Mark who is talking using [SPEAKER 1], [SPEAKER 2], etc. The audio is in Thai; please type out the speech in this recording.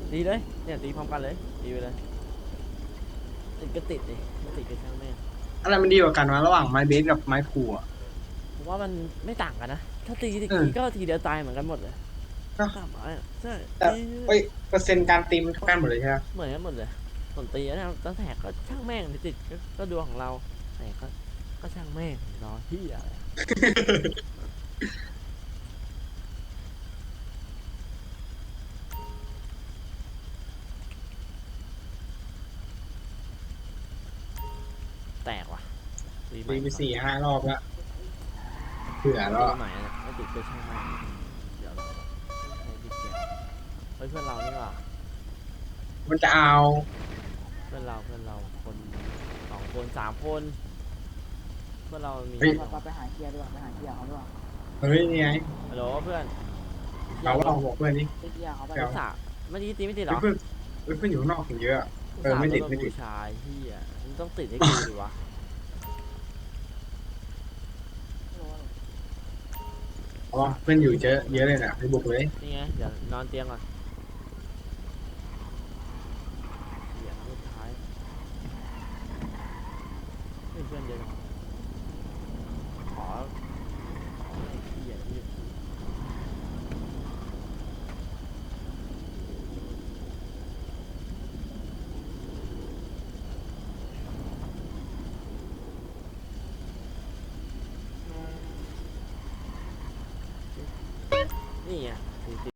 [SPEAKER 1] ตีเลยเนี่ยตีพร้อมกันเลยตีไปเลยติดก็ติดดิไม่ติดก็ช่างแม่ง
[SPEAKER 2] อะไรมันดีกว่ากันวะระหว่างไม้เบสกับไม้พลูอ่ะ
[SPEAKER 1] ผมว่ามันไม่ต่างกันนะถ้าตีอีก
[SPEAKER 2] เออ
[SPEAKER 1] ทีก็ทีเดียวตายเหมือนกันหมดเลย
[SPEAKER 2] ก็
[SPEAKER 1] ตามไม้อะใช่
[SPEAKER 2] แต่
[SPEAKER 1] ตี
[SPEAKER 2] เอ้ยเปอร์เซ็นต์การตีมันเท่ากันหมดเลยใช่ไหม
[SPEAKER 1] เหมือนกันหมดเลยส่วนตีนะตั้งแต่ก็ช่างแม่งติดก็ดวงของเราแต่ก็ช่างแม่งรอที่อะไรแตกว่ะตีใหม่
[SPEAKER 2] ตีไป
[SPEAKER 1] ดีกว่า
[SPEAKER 2] 4-5 รอบแล้วเผื่อแล้วอะ
[SPEAKER 1] ตีใหม่นะไม่ติดก็ช่างแม่งเดี๋ยวเราใช้ดิเกตเฮ้ยเพื่อนเรานี่ว่ะ
[SPEAKER 2] มันจะเอา
[SPEAKER 1] เพื่อนเราคน2 คน3 คนเพื่อนเรามี
[SPEAKER 2] เฮ้ย
[SPEAKER 3] ไปหาเกียร์ดีกว่าไปหาเกียร์เขาดีกว่า
[SPEAKER 2] เฮ้ยนี่ไง
[SPEAKER 1] ฮัลโหลเพื่อนอ
[SPEAKER 2] เรา
[SPEAKER 1] ยากลง
[SPEAKER 2] ลองบอกเพื่อนนี่
[SPEAKER 3] ไปเกียร์เขาไป
[SPEAKER 2] เดี๋ยว
[SPEAKER 1] อุตส่าห์เมื่อกี้ตีไม่ติดเหรอ
[SPEAKER 2] เฮ้ยเพื่อนเฮ้ยเพื่อนอยู่ข้างนอกถึงเยอะอะ
[SPEAKER 1] อุต
[SPEAKER 2] เออไม่
[SPEAKER 1] ส่าห์ลดมา
[SPEAKER 2] ติดไม่ติด
[SPEAKER 1] บูชาที่อ่ะมันต้องติดให้กูดิวะ
[SPEAKER 2] เพราะว่าเพื่อนอยู่เยอะเลยนะไปบุกเลย
[SPEAKER 1] นี่ไงเดี๋ยวนอนเตียงก่อนเดี๋ยวสุดท้ายเพื่อนเยอะจังขอไอ้เหี้ยที่นี่ไง